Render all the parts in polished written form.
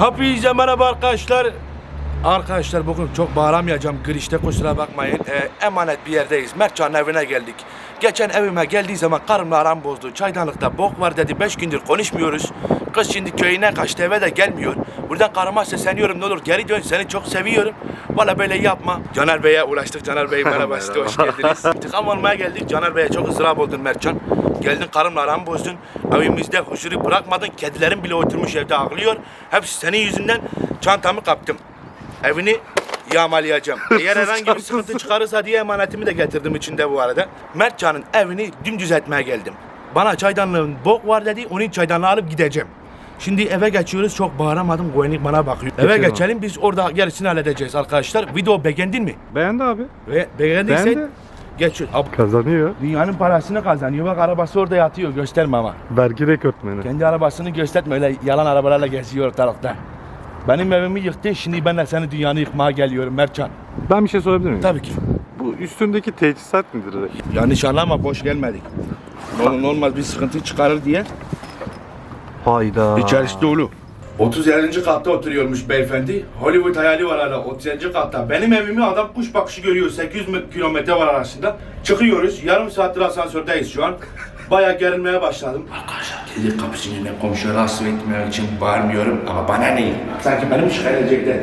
Hepinize merhaba arkadaşlar. Arkadaşlar bugün çok bağıramayacağım, girişte kusura bakmayın. Emanet bir yerdeyiz. Mertcan'ın evine geldik. Geçen evime geldiği zaman karımla aram bozdu. Çaydanlıkta bok var dedi. 5 gündür konuşmuyoruz. Kız şimdi köyüne kaçtı, eve de gelmiyor. Buradan karıma sesleniyorum, ne olur geri dön, seni çok seviyorum. Valla böyle yapma. Caner Bey'e ulaştık. Caner Bey merhaba, size hoş geldiniz. İntikam almaya geldik. Caner Bey'e çok ızdırap oldun Mertcan. Geldin karımla aramı bozdun. Evimizde huzuru bırakmadın. Kedilerin bile oturmuş evde ağlıyor. Hepsi senin yüzünden. Çantamı kaptım. Evini yağmalayacağım. Eğer herhangi bir sıkıntı çıkarırsa diye emanetimi de getirdim içinde bu arada. Mertcan'ın evini dümdüz etmeye geldim. Bana çaydanlığın bok var dedi. Onun çaydanlığı alıp gideceğim. Şimdi eve geçiyoruz. Çok bağıramadım. Güvenlik bana bakıyor. Eve geçelim. Biz orada gerisini halledeceğiz arkadaşlar. Video beğendin mi? Beğendi abi. Ve beğendiysen geçiyoruz. Kazanıyor. Dünyanın parasını kazanıyor. Bak arabası orada yatıyor. Gösterme ama. Vergi rekortmeni. Kendi arabasını gösterme. Öyle yalan arabalarla geziyor ortalıkta. Benim evimi yıktı. Şimdi ben de senin dünyanı yıkmaya geliyorum Mertcan. Ben bir şey sorabilir miyim? Tabii ki. Bu üstündeki teçhizat nedir? Yanlış anlama, boş gelmedik. Normal bir sıkıntı çıkarır diye. Hayda. İçerisi dolu. 37. katta oturuyormuş beyefendi. Hollywood hayali var hala 37. katta. Benim evimi adam kuş bakışı görüyor. 800 kilometre var arasında. Çıkıyoruz. Yarım saattir asansördeyiz şu an. Bayağı gerilmeye başladım. Arkadaşlar kedi kapısının önüne komşuya rahatsız etmemek için bağırmıyorum ama bana ne? Sanki benim şikayet edecekler.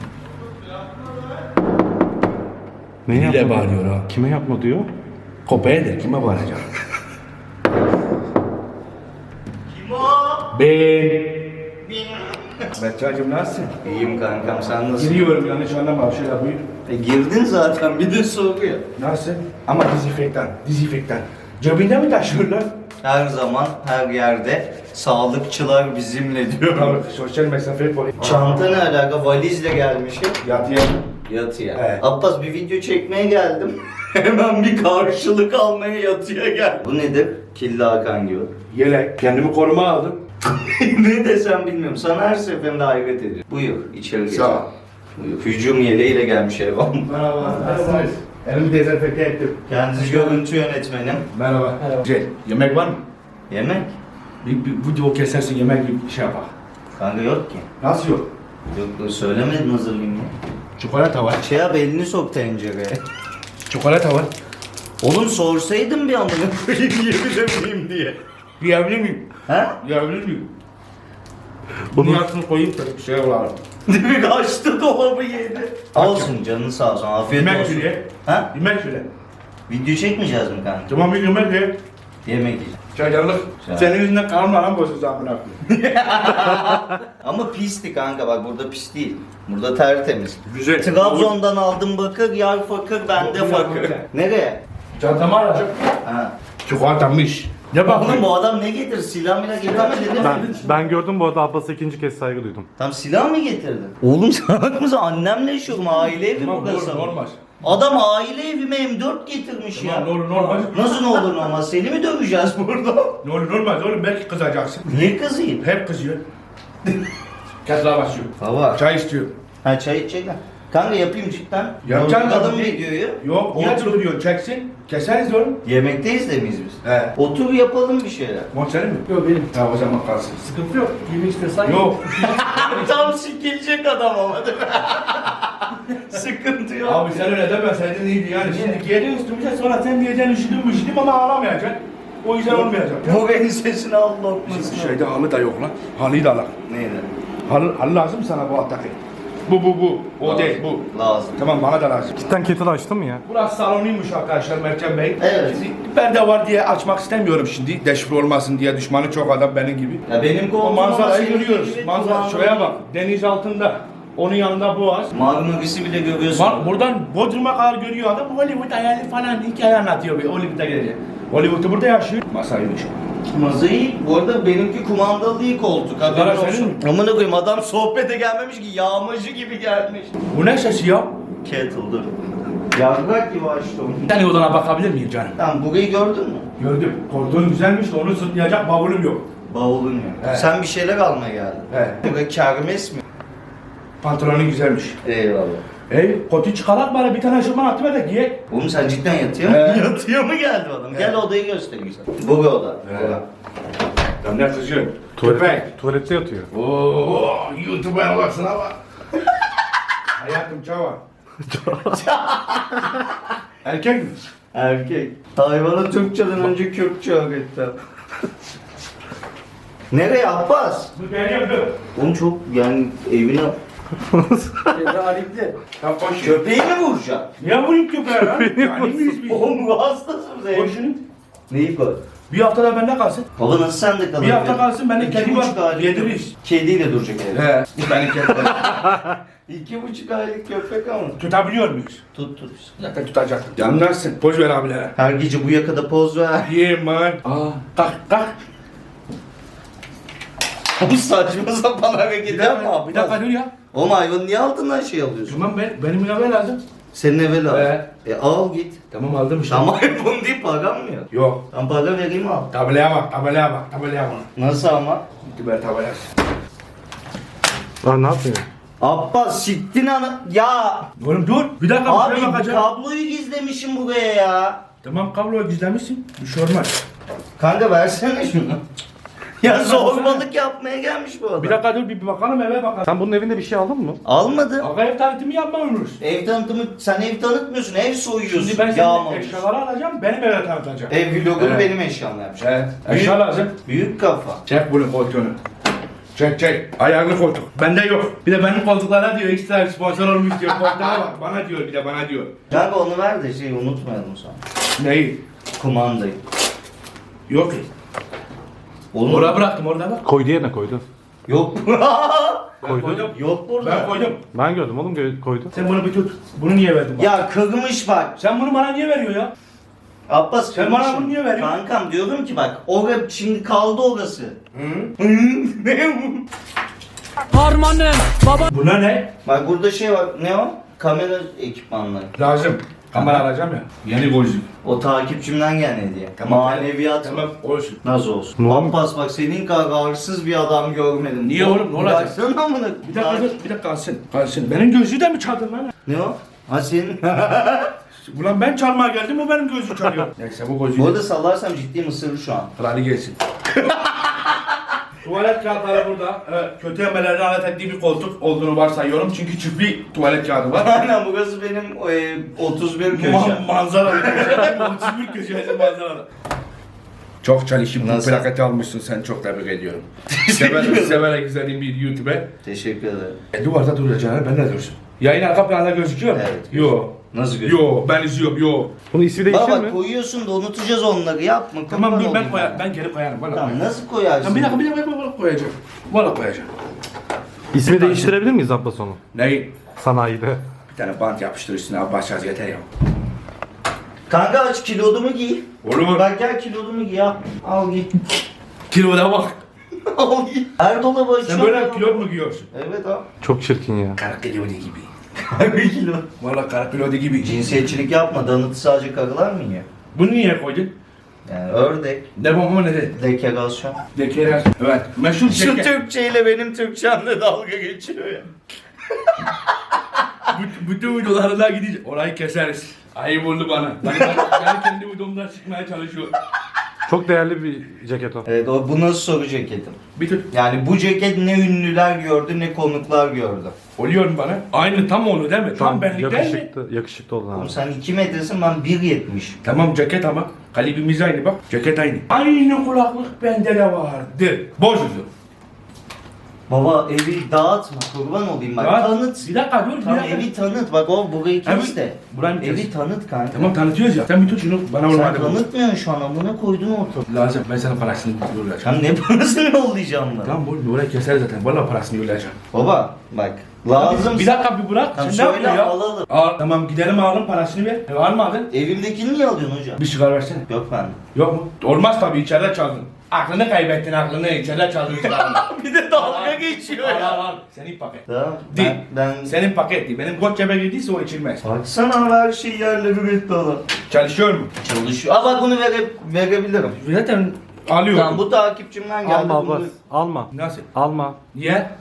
Ne Biriyle yapma? bağırıyor ha. Kime yapma diyor? Kopaya de kime bağıracağım? Kim o? Ben. Mertcan'cığım nasılsın? İyiyim kankam, sen nasılsın? Giriyorum, yanlış anlama, şöyle buyur. Girdin zaten, bir de soruyor. Nasıl? Ama dezenfektan. Cebinde mi taşıyorlar? Her zaman, her yerde sağlıkçılar bizimle diyor. Tabii, sosyal mesafe koy. Çanta ne alaka? Valizle gelmişim. Yatıya. Yatıya. Evet. Abbas, bir video çekmeye geldim. Hemen bir karşılık almaya yatıya gel. Bu nedir? Killi Hakan gibi. Yelek. Kendimi koruma aldım. Ne desem bilmiyorum. Sana her seferinde hayret ediyorum. Buyur, içeri geç. Sağ ol. Buyur. Hücum yeleğiyle gelmiş Evan. Merhaba. Nasılsınız? Elimi dezenfekte ettim. Kendisi görüntü yönetmenim. Merhaba. Güzel. Yemek var mı? Yemek? Bir video kesersin, yemek gibi bir şey yapar. Kanka yok ki. Nasıl yok? Yok, söylemedin hazırlayayım ya. Çikolata var. Şey yap, elini sok tencereye. Çikolata var. Oğlum sorsaydın bir anda koyayım yiyebilir miyim diye. Yiyebilir miyim? Ha? Yiyebilir miyim? Bunun altını koyayım da bir şey olalım. Demek açtı dolabı yedi. Olsun canın sağ olsun, afiyet Yemek olsun. söyle. Ha? Yemek söyle. Video çekmeyeceğiz mi kanka? Tamam, bir yemek ye. Yemek yiyeceğiz. Çaydanlık. Senin yüzünden karnım aram bozuldu amına koyayım. Ama pisti kanka, bak burada pis değil. Burada tertemiz. Güzel. Trabzon'dan aldım bakır, yar fakir, bende fakir. Nereye? Çantamı alacağım. Ha. Çikolatamış. Ne Oğlum bakıyorsun? bu adam ne getir? Silah mıyla getirmedi değil mi? Ben gördüm bu arada, Abbas'a ikinci kez saygı duydum. Tam silah mı getirdin? Oğlum salak mısın? Annemle yaşıyorum, aile evi Tamam, burası. normal. Adam aile evime M4 getirmiş ya. Normal. Nasıl ne olur olmaz? Seni mi döveceğiz burada? Normal oğlum, belki kızacaksın. Niye kızayım? Hep kızıyor. Ketla basıyor. Baba. Çay istiyor. Ha çay içecekler. Kanka yapayım cidden. Yapacaksın Kadın tabii. videoyu. Yok, niye duruyor? Çeksin. Keseriz oğlum. Yemekteyiz de miyiz biz? He. Otur yapalım bir şeyler. Mon senin mi? Yok benim. Ha, o zaman kalsın. Sıkıntı yok. Yemek istiyorsan Yok. Tam sikilecek adam ama değil mi? Sıkıntı yok. Abi sen öyle demeseydin iyiydi yani. Şimdi giyeceksin üstümüze, sonra sen diyeceksin üşüdüm ama ağlamayacaksın. O yüzden olmayacak. Bu benim sesini al lokmasını. Bizim şeyde halı da yok lan. Halıyı da alak. Neydi? Halı lazım sana bu attaki. Bu. O Lazım. değil bu. Lazım. Tamam, bana da lazım. Cidden kettle açtın mı ya? Burası salonuymuş arkadaşlar Mertcan Bey. Evet. Şimdi perde var diye açmak istemiyorum şimdi. Deşifre olmasın diye, düşmanı çok adam benim gibi. Ya benim O koltuğum ama manzarayı senin görüyoruz. gibi Manzara kulağın- şuraya bak. Deniz altında. Onun yanında boğaz. Marmaris'i bile görüyorsun. Bak buradan Bodrum'a kadar görüyor adam. Hollywood hayali falan hikaye anlatıyor. Bir Hollywood'a gelecek. Hollywood'u burada yaşıyor. Masaymış. Mazayı, bu arada benimki kumandalı değil koltuk. Sigara Haberin senin olsun. mi? Amına koyayım, adam sohbete gelmemiş ki, yağmacı gibi gelmiş. Bu ne sesi ya? Kettle dur. Yargak gibi açtım. Bir tane odana bakabilir miyim canım? Tamam, burayı gördün mü? Gördüm. Koridorun güzelmiş de onu sırtlayacak bavulum yok. Bavulun yok. Evet. Sen bir şeyler almaya geldin. Evet. Burası kermes mi? Pantolonun güzelmiş. Eyvallah. Kotu çıkarak bari bir tane şırman atma da giyek. Oğlum sen cidden yatıyor mu? Evet. Yatıyor mu geldi adam? Gel Evet. odayı göstereyim sana. Bu bir oda. Evet. Ya ne kızıyorsun? Tuvalette yatıyor. Oo, YouTube'a olacaksın ama. Hayatım çava. Erkek mi? Erkek. Hayvanı Türkçeden önce Kürtçe öğretti. Nereye Abbas? Bu ben yapıyorum. Oğlum çok yani evine... Ya koş. Köpeği mi vuracaksın? Niye vurayım köpeğe lan? Yani miyiz biz? Oğlum bu hastası mı Koy şunu. Neyi koy? Bir hafta da bende kalsın. Baba nasıl sende kalır? Bir hafta kalsın, ben de kedi var, 2,5 aylık yediririz. Kediyle duracak evde. He. Benim kedi. 2,5 aylık köpek ama. Tutabiliyor muyuz? Tut. Zaten tutacaktım. Yanlarsın. Poz ver abilere. Her gece bu yakada poz ver. Yeah man. Kalk kalk. Bu saçma sapan hareket yapma Bir dakika Abbas. dur ya. Oğlum hayvanı niye altından şey alıyorsun? Tamam benim ilave lazım. Senin eve al. He. Al git. Tamam aldım işte. Ama bunu değil param mı yok? Yok. Ben para vereyim al. Tabelaya bak, tabelaya bak, tabelaya bak. Nasıl ama? Gitti böyle tabelaya. Lan ne yapıyorsun? Abbas siktin ana... Ya! Oğlum dur. Bir dakika bir Abi şeye bakacağım. kabloyu gizlemişim buraya ya. Tamam kabloyu gizlemişsin. Bir şey olmaz. Kanka versene şunu. Ya zorbalık yapmaya gelmiş bu adam. Bir dakika dur bir bakalım eve bakalım. Sen bunun evinde bir şey aldın mı? Almadı. Aga ev tanıtımı yapmamıyoruz. Ev tanıtımı, sen ev tanıtmıyorsun, ev soyuyorsun. Şimdi ben senin Yağmalıyorsun. eşyaları alacağım, benim eve tanıtacağım. Ev vlogunu Evet. benim eşyamla yapacağım. Evet. Eşya lazım. Büyük kafa. Çek bunu koltuğunu. Çek. Ayarlı koltuk. Bende yok. Bir de benim koltuklara diyor ekstra sponsor olmuş diyor. Koltuğa bak. Bana diyor bir de bana diyor. Kanka onu ver de şey unutmayalım sonra. Neyi? Kumandayı. Yok ki. Oğlum Oraya bıraktım orada bak. Koydu yerine koydu. yok. Ben Koydu. koydum. Yok burada. Ben koydum. Ben gördüm oğlum koydu. Sen bunu bir tut. Bunu niye verdin bana? Ya kırmış bak. Sen bunu bana niye veriyorsun ya? Abbas Sen kırmış. bana bunu niye veriyorsun? Kankam diyorum ki bak orada şimdi kaldı orası. Hı? Ne bu? Buna ne? Bak burada şey var. Ne o? Kamera ekipmanları. Lazım. Kamera alacağım ya. Yeni golcü. O takipçimden gelen hediye. Maneviyat. Tamam olsun. Nasıl olsun? Ne olmuş? Abbas bak senin kadar arsız bir adam görmedim. Niye oğlum, ne olacak? Baksana amına. Bir dakika dur. Bir dakika kalsın. Kalsın. Benim gözlüğü de mi çaldın lan? Ne o? Ha senin. Ulan ben çalmaya geldim o benim gözlüğü çalıyor. Neyse bu gözlüğü. Bu arada sallarsam ciddi ısırır şu an. Kralı gelsin. Tuvalet kağıtları burada. Evet, kötü emellerden alet ettiği bir koltuk olduğunu varsayıyorum. Çünkü çift bir tuvalet kağıdı var. Aynen burası benim 31 köşe. Manzaralı köşe. 31 köşesi manzaralı. Çok çalışıp bu Nasıl? plaketi almışsın sen çok tebrik ediyorum. Teşekkür ederim. Severek izlediğim bir YouTuber. Teşekkür ederim. Duvarda duracağını ben de dursun. Yayın arka planda gözüküyor mu? Evet. Yo. Nasıl gözüküyor? Yo ben izliyorum yo. Bunun ismi değişir Baba mi? koyuyorsun da unutacağız onları yapma. Tamam kurban dur ben olayım koyarım. Ben geri koyarım. Valla Tamam koyarım. nasıl koyarsın? Tamam, bir dakika koyacağım. Valla koyacağım. İsmi değiştirebilir miyiz Abbas onu? Neyi? Sanayide. Bir tane bant yapıştır üstüne abi başarız yeter ya. Kanka aç kilodumu giy. Olur. Bak gel kilodumu giy al. Al giy. Kiloda bak. Al giy. Her dolabı Sen açıyorum. böyle kilo mu giyiyorsun? Evet al. Çok çirkin ya. Kara kilodi gibi. Bir kilo. Valla kara kilodi gibi. Cinsiyetçilik yapma. Danıtı sadece karılar mı yiyor? Bunu niye koydun? Yani ördek, Ne bu ne dedi? dekorasyon. Dekerer. Evet. Meşhur Şu şeker. Türkçeyle benim Türkçemle dalga geçiyor ya. Bütün videolarına gideceğiz. Orayı keseriz. Ayıp oldu bana. Ben kendi videomdan çıkmaya çalışıyorum. Çok değerli bir ceket o. Evet o bu nasıl soru ceketim? Bir tut. Yani bu ceket ne ünlüler gördü ne konuklar gördü. Oluyor mu bana? Aynı tam onu değil mi? Tam benlik değil mi? Yakışıklı oldun Oğlum abi. sen 2 metresin ben 1.70. Tamam ceket ama kalibimiz aynı bak. Ceket aynı. Aynı kulaklık bende de vardı. Bozuzu. Baba evi dağıtma kurban olayım bak Ya, tanıt. Bir dakika dur. Tamam bir dakika. evi tanıt bak o burayı kes Evet, de. burayı kes. Evi tanıt kanka. Tamam tanıtıyoruz ya. Sen bir tut şunu bana Sen vurma. tanıtmıyorsun şu an amına koydun ortalığı. Lazım. Ben sana parasını yollayacağım. Sen ne parasını yollayacağım lan? Tamam bu oraya keser zaten. Valla parasını yollayacağım. Baba bak lazım. Bir dakika bir bırak. Tamam Sen ne söyle yapıyorsun ya? alalım. Al. Tamam gidelim alalım parasını ver. Almadın. Evimdekini niye alıyorsun hocam? Bir sigara versene. Yok bende. Yok mu? Olmaz tabii içeride çaldın. Aklını kaybettin aklını içeride çaldın sigaranı. Bir de dalga geçiyor Al ya. al al. Senin paket. Tamam. Değil. Ben Senin paket değil. Benim koç cebe girdiyse o içilmez. baksana her şey yerle bir etti adam. Çalışıyor mu? Çalışıyor. Aa bak bunu verebilirim. Zaten alıyor. Tamam bu takipçimden geldi. Alma bunu- Abbas. Alma. Nasıl? Alma. Niye?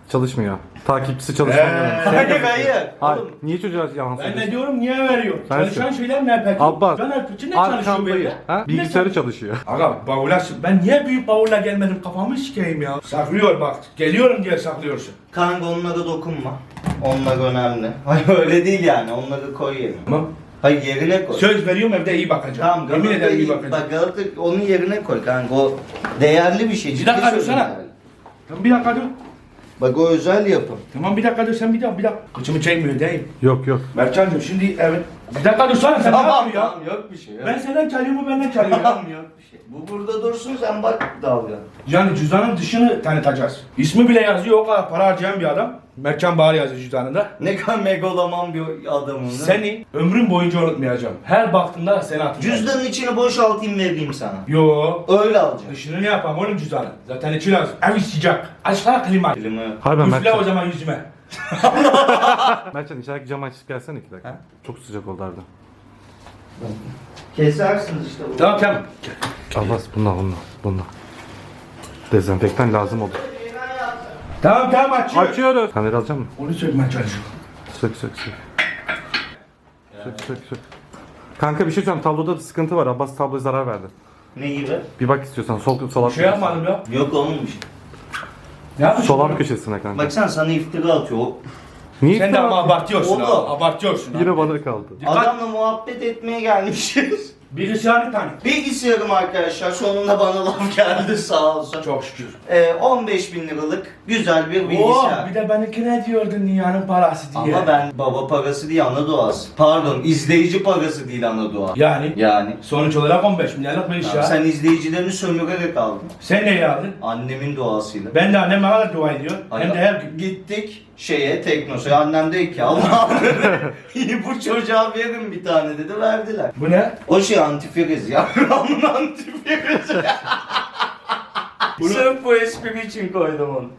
Çalışmıyor. Takipçisi çalışmıyor. Hayır hayır. Hayır. Oğlum, Niye çocuğa yalan Ben söylüyorsun? ne diyorum niye veriyor? Ben Çalışan şeyler ne peki? Abbas. Ben Erpüç'ün ne çalışıyor Arkamdayım. böyle? Ha? Bilgisayarı çalışıyor. Aga bavula ben niye büyük bavulla gelmedim kafamı sikeyim ya. Saklıyor bak. Geliyorum diye saklıyorsun. kanka onlara dokunma. Onlar önemli. Hayır öyle değil yani. Onları koy yerine. Tamam. Hayır yerine koy. Söz veriyorum evde iyi bakacağım. Tamam Yemin Galata ederim iyi iyi. bakacağım. Bak Galata onun yerine koy kanka. O değerli bir şey. Bir ciddi dakika söylüyorum dursana. yani. Tamam bir dakika dur. Bak o özel yapım. Tamam bir dakika dur sen bir dakika. Kıçımı çekmiyor değil. Yok yok. Mertcan'cığım şimdi evet. Bir dakika dursana sen ne yapıyorsun ya? Tamam yok bir şey. Yok. Ben senden çalıyorum o benden çalıyor ya. Tamam yok bir şey. Bu burada dursun sen bak dalga. Yani cüzdanın dışını tanıtacağız. İsmi bile yazıyor o kadar para harcayan bir adam. Mertcan Bahar yazıyor cüzdanında. Ne kadar megaloman bir adamım. Seni ömrüm boyunca unutmayacağım. Her baktığımda seni hatırlayacağım. Cüzdanın içini boşaltayım vereyim sana. Yo. Öyle alacağım. Dışını ne yapalım oğlum cüzdanı? Zaten içi lazım. Ev sıcak. Aşağı klima. Elimi Hayır ben Üfle o Mertcan. zaman yüzüme. Mertcan içerideki camı açıp gelsene 2 dakika. Ha? Çok sıcak oldu Arda. kesersiniz işte bu. Tamam tamam. Abbas bununla. Dezenfektan lazım olur. Tamam tamam açıyorum. Açıyoruz. Kamera alacak mısın? Onu söylemeye çalışıyorum. Sök. Sök. Kanka bir şey söyleyeyim. Tabloda da sıkıntı var. Abbas tabloya zarar verdi. Ne gibi? Bir bak istiyorsan sol Bir şey yapmadım ya. Yok olmamış. Ne yapmışsın? Sol alt köşesine kanka. Baksana sana iftira atıyor. O- Niye Sen de ama abartıyorsun Oğlum. ha. Abartıyorsun ha. Yine bana kaldı. Dikkat. Adamla muhabbet etmeye gelmişiz. Bilgisayarını tanıt. Bilgisayarım arkadaşlar sonunda bana laf geldi sağ olsun. Çok şükür. 15.000 liralık güzel bir Oo, bilgisayar. bir de benimki ne diyordun dünyanın parası diye. Ama ben baba parası değil ana doğası. Pardon izleyici parası değil ana doğa. Yani Yani. sonuç olarak 15 milyarlık bir iş Tamam, ya. sen izleyicilerini sömürerek aldın. Sen neyle aldın? Annemin doğasıyla. Ben de anneme kadar dua ediyor. Hem de her gün. Gittik Teknosa. Annem dedi ki Allah bu çocuğa verin bir tane dedi verdiler. Bu ne? O şey antifriz ya. Ramın antifriz. Sırf bu espri için koydum onu.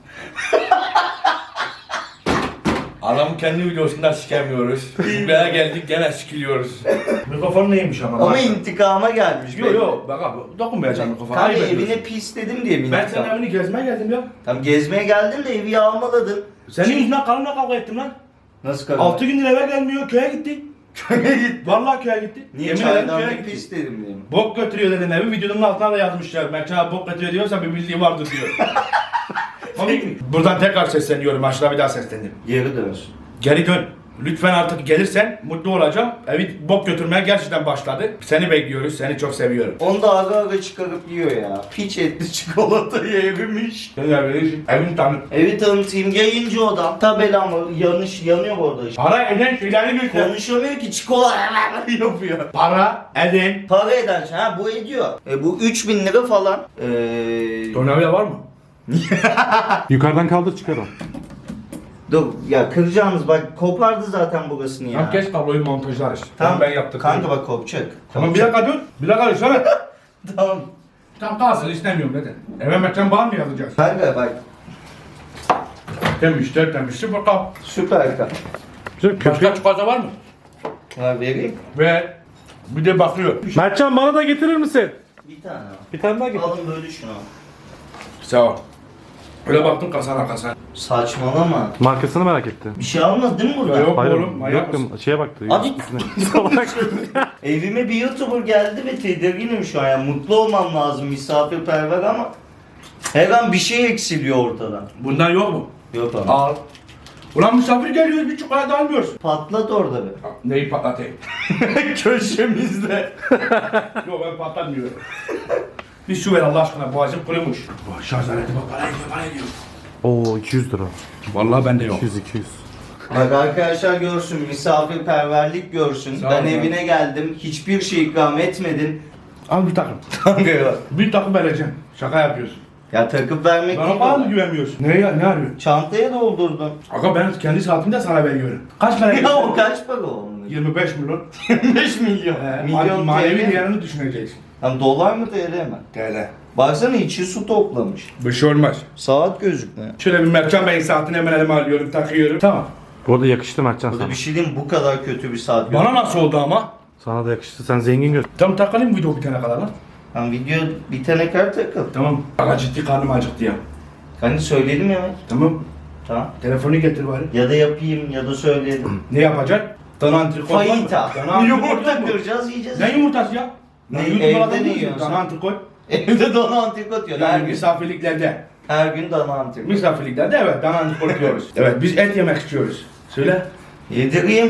Adamı kendi videosundan sikemiyoruz. Buraya geldik gene sikiliyoruz. Mikrofon neymiş ama? Ama intikama gelmiş. Yok yok bak abi dokunmayacağım mikrofona. Kanka Ayıp evine ediyorsun. pis dedim diye mi Ben intikam? senin evini gezmeye geldim ya. Tam gezmeye geldin de evi yağmaladın. Senin yüzünden karımla kavga ettim lan. Nasıl kadın? 6 gündür eve gelmiyor köye gitti. Köye gitti. Vallahi köye gitti. Niye Yemin ederim köye çaydan gitti. pis dedim diye mi? Bok götürüyor dedim evi videonun altına da yazmışlar. Mertcan abi bok götürüyor diyorsa bir bildiği vardır diyor. Komik mi? Buradan tekrar sesleniyorum. Aşağıda bir daha seslendim. Geri dönsün. Geri dön. Lütfen artık gelirsen mutlu olacağım. Evi bok götürmeye gerçekten başladı. Seni bekliyoruz. Seni çok seviyorum. Onu da ara ara çıkarıp yiyor ya. Piç etli çikolatayı erimiş. Sen evini evini tanıt. Evi tanıtayım yayıncı odam. Tabelam var. Yanıyor orada işte. Para eden şeyleri göster. Konuşamıyor ki çikolata yapıyor. Para eden. Para eden şey. Ha bu ediyor. Bu 3.000 lira falan. Tornavida var mı? Yukarıdan kaldır çıkar o. Dur ya kıracağınız bak kopardı zaten burasını ya. Tamam kes kabloyu montajlarız. Tamam ben yaptım. Kanka bak kopacak. Tamam bir dakika dur. Bir dakika dur. Sana. Tamam. Tamam kalsın istemiyorum neden? Eve Mertcan bağır mı yazacağız? Kanka bak Temiz süper kal. süper kal. Güzel Başka çikolata var mı? Ha vereyim. Ve bir de bakıyor. Mertcan bana da getirir misin? Bir tane al. Bir tane daha getir. Alın böyle şunu. Sağ ol. Öyle baktım kasana. Saçmalama. Markasını merak etti. Bir şey almadın değil mi burada? Yok Hayır, oğlum. Manyak mısın? yok şeye baktı. Abi üstüne. Salak. evime bir YouTuber geldi ve tedirginim şu an. Yani mutlu olmam lazım misafirperver ama her an bir şey eksiliyor ortadan. Bundan yok mu? Yok ama. Al. Ulan misafir geliyoruz bir çikolata almıyorsun. Patlat orada bir. Neyi patlatayım? Köşemizde. Yok ben patlatmıyorum. Bir su ver Allah aşkına boğazım kurumuş. Oh, şarj aleti bak para ediyor. Oo 200 lira. Vallahi bende yok. 200. Bak arkadaşlar görsün, misafirperverlik görsün. Sağ ol Ben ya. evine geldim, hiçbir şey ikram etmedin. Al bir takım. Kanka ya. Bir takım vereceğim. Şaka yapıyorsun. Ya takıp vermek Bana değil bana o. mı güvenmiyorsun? Ne arıyorsun? Çantaya doldurdun. Aga ben kendi saatimde sana veriyorum. Kaç para Ya o kaç para onun? 25 milyon. 25 milyon. Milyon Manevi TL. değerini düşüneceksin. Hani dolar mı TL mi? TL. Baksana içi su toplamış. Bir şey olmaz. Saat gözükmüyor. Şöyle bir Mertcan Bey'in saatini hemen elime alıyorum, takıyorum. Tamam. Bu arada yakıştı Mertcan Burada sana. bir şey diyeyim mi? Bu kadar kötü bir saat Bana nasıl oldu ama? Sana da yakıştı. Sen zengin gör. Tam takalım video bitene kadar lan. Hani video bitene kadar takıl. Tamam. Aga ciddi karnım acıktı ya. Hani söyledim ya. Tamam. Tamam. Telefonu getir bari. Ya da yapayım ya da söyleyelim. Ne yapacaksın? Dana antrikot var mı? Fayita. Dana antrikot Yumurta yok mu? kıracağız yiyeceğiz. Ne yumurtası ya? Ne, Lan evde YouTube'da adam ne diyorsun, yiyorsun Dana sen? antrikot. Evde dana antrikot yiyor. Her Yani gün. misafirliklerde. Her gün dana antrikot. Misafirliklerde evet dana antrikot yiyoruz. Evet biz et yemek istiyoruz. Söyle. Yedireyim.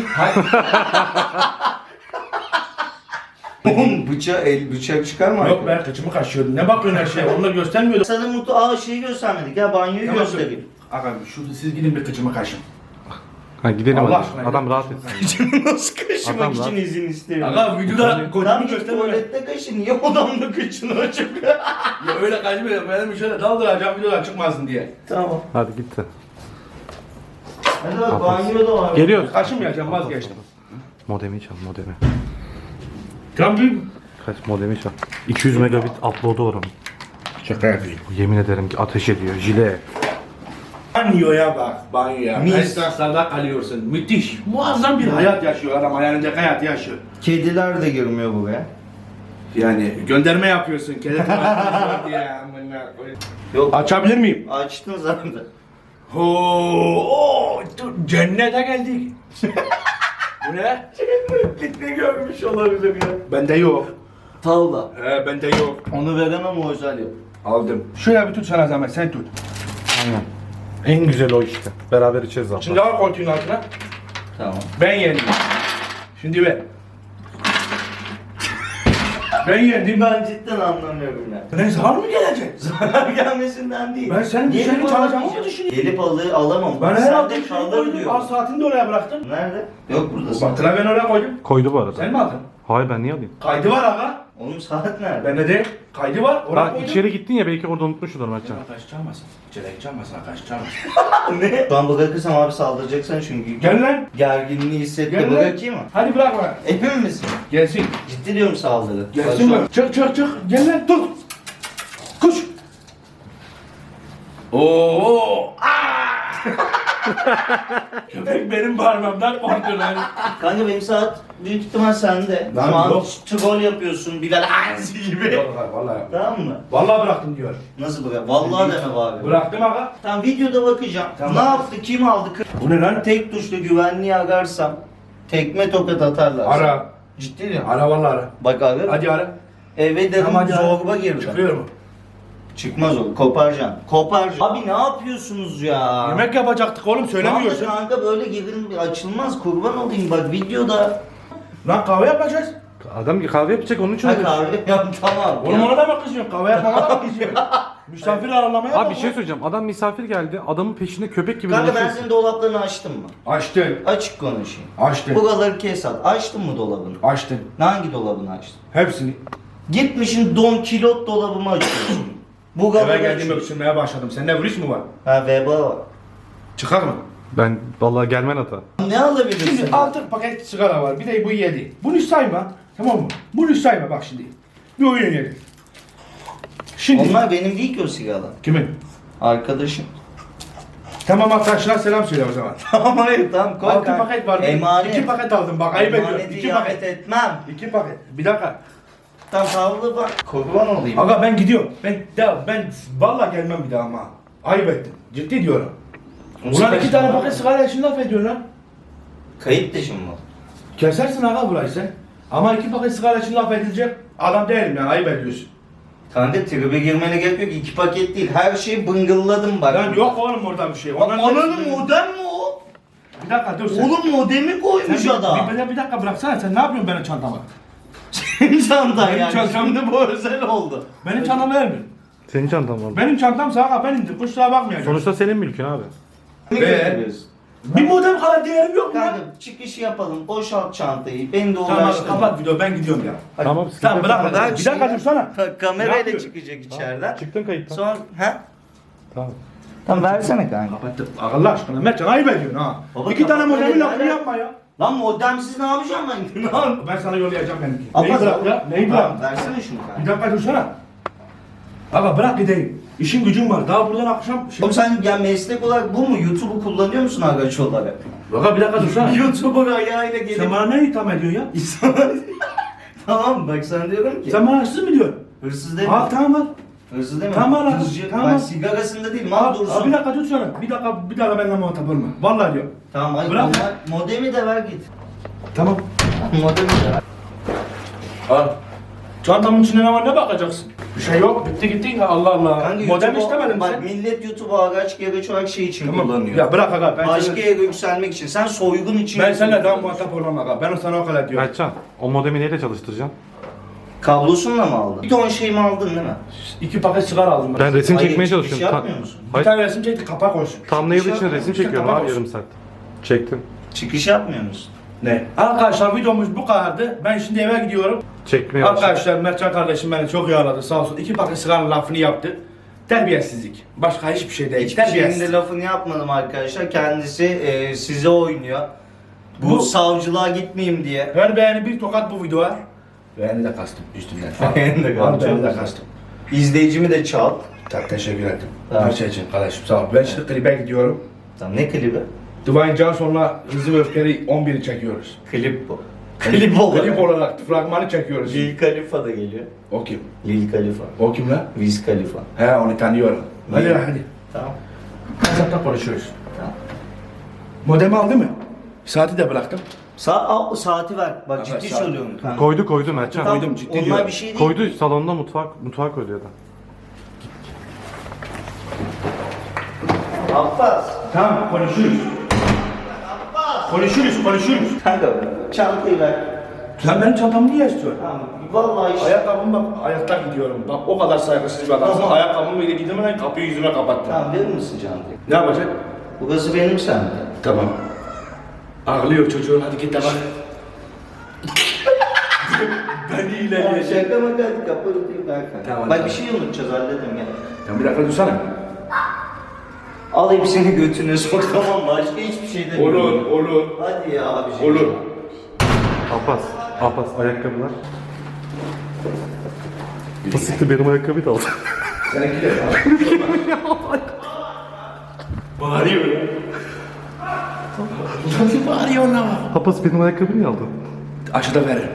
Oğlum bıçak çıkar mı? Yok be kıçımı kaşıyordun. Ne bakıyorsun her şeye? Onu da göstermiyordun. Sana şeyi göstermedik ya banyoyu göstereyim. Aga şurada siz gidin bir kıçımı kaşın. Ha gidelim Allah hadi. aşkına. Adam rahat etsin. Nasıl kaşımak Adam için lan. izin istiyor? Aga videoda Tam kocamı git gösterme. tuvalette kaşı. Niye odamda kıçını açık? Ya öyle kaçmıyorum. Benim şöyle daldıracağım videolar çıkmasın diye. Tamam. Hadi gitti. Hadi bak banyo da var. Geliyoruz. Kaşınmayacağım vazgeçtim. Modemi çal modemi. Tam bir Kaç modemi çal. 200 megabit upload'u var onun. şaka yapayım. Yemin ederim ki ateş ediyor. Jile. Banyoya bak, banyoya. Mis. Esnaflarda kalıyorsun. Müthiş. Muazzam bir hayat yaşıyor adam. Hayalindeki hayatı yaşıyor. Kediler de girmiyor buraya. Yani gönderme yapıyorsun. Kelebek diye. amına koyayım. Yok. Açabilir miyim? Açtın zaten. Oo, dur, cennete geldik. Bu ne? Ne görmüş olabilir ya? Bende yok. Tavla. Bende yok. Onu veremem o özel yap. Aldım. Şöyle bir tut sana zahmet, sen tut. Aynen. En güzel o işte. Beraber içeriz zaten. Şimdi al koltuğun altına. Tamam. Ben yendim. Şimdi ver. Ben yendim. Ben cidden anlamıyorum ya. Ne zar mı gelecek? Zarar gelmesinden değil. Ben senin Gelip dışarı çalacağımı mı alamayacağım. düşünüyorsun? Gelip alamam. Ben Sen herhalde de bir şey kalır koydum. diyor. Az saatini de oraya bıraktım. Nerede? Yok burada. Bak klavyen oraya koydum. Koydu bu arada. Sen mi aldın? Hayır ben niye alayım? Kaydı var aga. Oğlum saat nerede? Bende değil. Kaydı var. Oraya Ha koydum. içeri gittin ya belki orada unutmuşsundur Mertcan. Arkadaş çalmasın. İçeri çalmasın arkadaş çalmasın. Ne? Ben bırakırsam abi saldıracaksın çünkü. Gel lan. Gerginliği hissetti. Gel lan. Bırakayım mı? Hadi bırak bana. Emin misin? Gelsin. Ciddi diyorum saldırı. Gelsin mi? Çık çık çık. Gel lan tut. Koş. Oo. Köpek benim parmağımdan korktu lan. Kanka benim saat büyük ihtimal sende. Lan Şu an yok. troll yapıyorsun Bilal Hansi gibi. Yok vallahi. Tamam mı? Vallahi bıraktım diyor. Nasıl bırak? Vallahi deme bari. Bıraktım aga. Tamam videoda bakacağım. Tamam. Ne yaptı? Kim aldı? Bu ne lan? Tek tuşla güvenliği ararsam tekme tokat atarlar. Ara. Ciddi diyorum. Ara vallahi ara. Bak abi. Hadi ara. Eve dedim Tamam, hadi ara. zorba girdi. Çıkıyor mu? Çıkmaz o. Koparacaksın. Koparacaksın. Abi ne yapıyorsunuz ya? Yemek yapacaktık oğlum söylemiyorsun. Kanka böyle girin açılmaz kurban olayım bak videoda. Lan kahve yapacağız. Adam ki kahve yapacak onun için Ha öyle. kahve yap tamam. Oğlum Ya. ona da mı kızıyorsun? Kahve yapmana da mı kızıyorsun? Misafir ağırlamaya Abi bak bir şey söyleyeceğim. Adam misafir geldi. Adamın peşinde köpek gibi Kanka ben dolaşıyorsun. senin dolaplarını açtım mı? Açtın. Açık konuşayım. Açtın. Buraları kes at. Açtın mı dolabını? Açtın. Hangi dolabını açtın? Hepsini. Gitmişin don kilot dolabımı açıyorsun. Eve Buraları geldiğimde açıyorsun. ısınmaya başladım. Sende virüs mü var? Ha veba var. Çıkar mı? Ben vallahi gelmen hata. Ne alabilirsin? Şimdi 6 paket sigara var. Bir de bu 7. Bunu sayma. Tamam mı? Bunu sayma bak şimdi. Bir oyun oynayalım. Şimdi. Onlar benim değil ki o sigaralar. Kimin? Arkadaşım. Tamam arkadaşlar selam söyle o zaman. Tamam hayır tamam koy 6 kanka. paket var. Emanet. 2 paket aldım bak ayıp ediyorum. Emaneti 2 ihanet paket. etmem. 2 paket. Bir dakika. Tam sağlığı bak. Kurban olayım. Aga ben gidiyorum. Ben vallahi gelmem bir daha ama. Ayıp ettim. Ciddi diyorum. Ulan 2 tane paket sigara için laf ediyorsun lan. Kayıt dışı mı? Kesersin aga burayı sen. Ama 2 paket sigara için laf edilecek adam değilim yani ayıp ediyorsun. Kanka tribe girmene gerek yok. 2 paket değil. Her şeyi bıngılladım bak. Lan yok oğlum orada bir şey. Onların Ananın hepsini- modem mi o? Bir dakika dur sen. Oğlum modemi koymuş Sen adam. bir dakika bıraksana sen ne yapıyorsun benim çantama? Senin çantan Benim yani. çantam- Şimdi bu özel oldu. Benim çantamı vermiyor. Senin çantan var. Benim çantam sağa benimdir. Kusura bakmayacağım. Sonuçta senin mülkün abi. Ne Be. götürüyorsun? Bir modem kadar değerim yok mu lan? Kanka çıkış yapalım. Boşalt çantayı. Beni de Tamam uğraştırma. kapat video ben gidiyorum ya. Tamam sıkıntı Tamam yok. bırak Bırak bırak. Bir dakika şimdi. dursana. Ne Kamerayla yapıyor? çıkacak içeriden. Çıktın kayıttan. Sonra ha? Tamam. Tamam versene kanka. Kapattım. Allah aşkına Mertcan ayıp ediyorsun ha. Baba, 2 tane kapat, modemin öyle lafını yani. yapma ya. Lan modemsiz ne yapacağım ben? Ne yapayım? Ben sana yollayacağım benimki. Ama Neyi bırak ya? Neyi bırak? Tamam, versene şunu Bir kanka. dakika dursana. Aga bırak gideyim. İşim gücüm var. Daha buradan akşam... Oğlum sen ya meslek olarak bu mu? YouTube'u kullanıyor musun agaç olarak? Aga bir dakika dursana. YouTuber ayağıyla gelip... Sen bana ne itham ediyorsun ya? Tamam bak sana diyorum ki. Sen bana hırsız mı diyorsun? Hırsız demiyorum. Al tamam al. Hızlı değil mi? Tamam lan, Hızlı. tamam. Ben sigarasında değilim abi dursun. Bir dakika tut şunu. Bir dakika benimle muhatap olma. Vallahi diyorum. Tamam hayır Bırak. modemi de ver git. Tamam. Modemi de ver. Al. Çantamın içinde ne var ne bakacaksın? Bir şey yok. Bitti gitti ya Allah Allah. Kanka Modem YouTube'u- istemedim bak, sen. millet YouTube'u araç gereç olarak şey için kullanıyor. Ya bırak aga. Başka yere yükselmek için. Sen soygun için Ben seninle daha kullanıyorsun. muhatap olmam aga. Ben sana o kadar diyorum. Mertcan, o modemi neyle çalıştıracaksın? Kablosunla mı aldın? Bir ton şeyimi aldın değil mi? 2 paket sigara aldım ben. Ben resim Hayır, çekmeye çıkış çalışıyorum. yapmıyor musun? Bir Hayır, tane resim çekti kapak olsun. thumbnail çıkış için yapmıyor resim musun? çekiyorum Tamam abi olsun. yarım saat. Çektim. Çıkış yapmıyor musun? Ne? Arkadaşlar videomuz bu kadardı. Ben şimdi eve gidiyorum. Çekmeye başladım. Arkadaşlar Mertcan kardeşim beni çok iyi aradı sağ olsun. 2 paket sigaranın lafını yaptı. Terbiyesizlik. Başka hiçbir şey değil. Hiçbir şeyin Terbiyesiz. de lafını yapmadım arkadaşlar. Kendisi size oynuyor. Bu savcılığa gitmeyeyim diye. Ver beğeni bir tokat bu videoya. Beğeni de kastım üstünden falan. Beğeni de kastım. Al, beğeni de kastım. İzleyicimi de çal. Çok teşekkür ederim. Tamam. Her şey için kardeşim sağ ol. Ben şimdi klibe gidiyorum. Tamam ne klibi? Dwayne Johnson'la Hızlı ve Öfkeli 11'i çekiyoruz. Klip bu. Klip olarak. Klip olarak fragmanı çekiyoruz. Lil Khalifa da geliyor. O kim? Lil Khalifa. O kim lan? Wiz Khalifa. He onu tanıyorum. Hadi hadi. Tamam. WhatsApp'ta konuşuyoruz. Tamam. Modemi aldı mı? Saati de bıraktım. Saati ver. Bak Evet, ciddi saat. söylüyorum. Kanka. Koydu Mertcan. Tamam, koydum, ciddi onlar diyorum. bir şey değil. Koydu salonda mutfağa koydu ya da. Abbas. Tamam konuşuruz. Konuşuruz. Kanka çantayı ver. Sen benim çantamı niye istiyorsun? Tamam. Vallahi işte. Ayakkabım bak, ayakta gidiyorum. Bak o kadar saygısız bir adamsın. Tamam. Ayakkabımı ile gidemeden kapıyı yüzüme kapattın. Tamam verir misin çantayı? Ne yapacak? Burası benim sende. Tamam. Ağlıyor çocuğun, hadi git de bak. Beni Ya ilerleyecek. şaka maka hadi kapalı değil ver kanka. Tamam, Bak tamam. bir şey unutacağız halledin gel. Ya bir dakika dursana. Al hepsini götüne sok tamam mı? Başka hiçbir şey de Olur. Hadi ya abi. Olur. Abbas ayakkabılar. Basit benim ayakkabıyı da aldı. Seninki de bağırıyor ya. Nasıl bağırıyor lan? Abbas benim ayakkabıyı niye aldın? Aşıda veririm.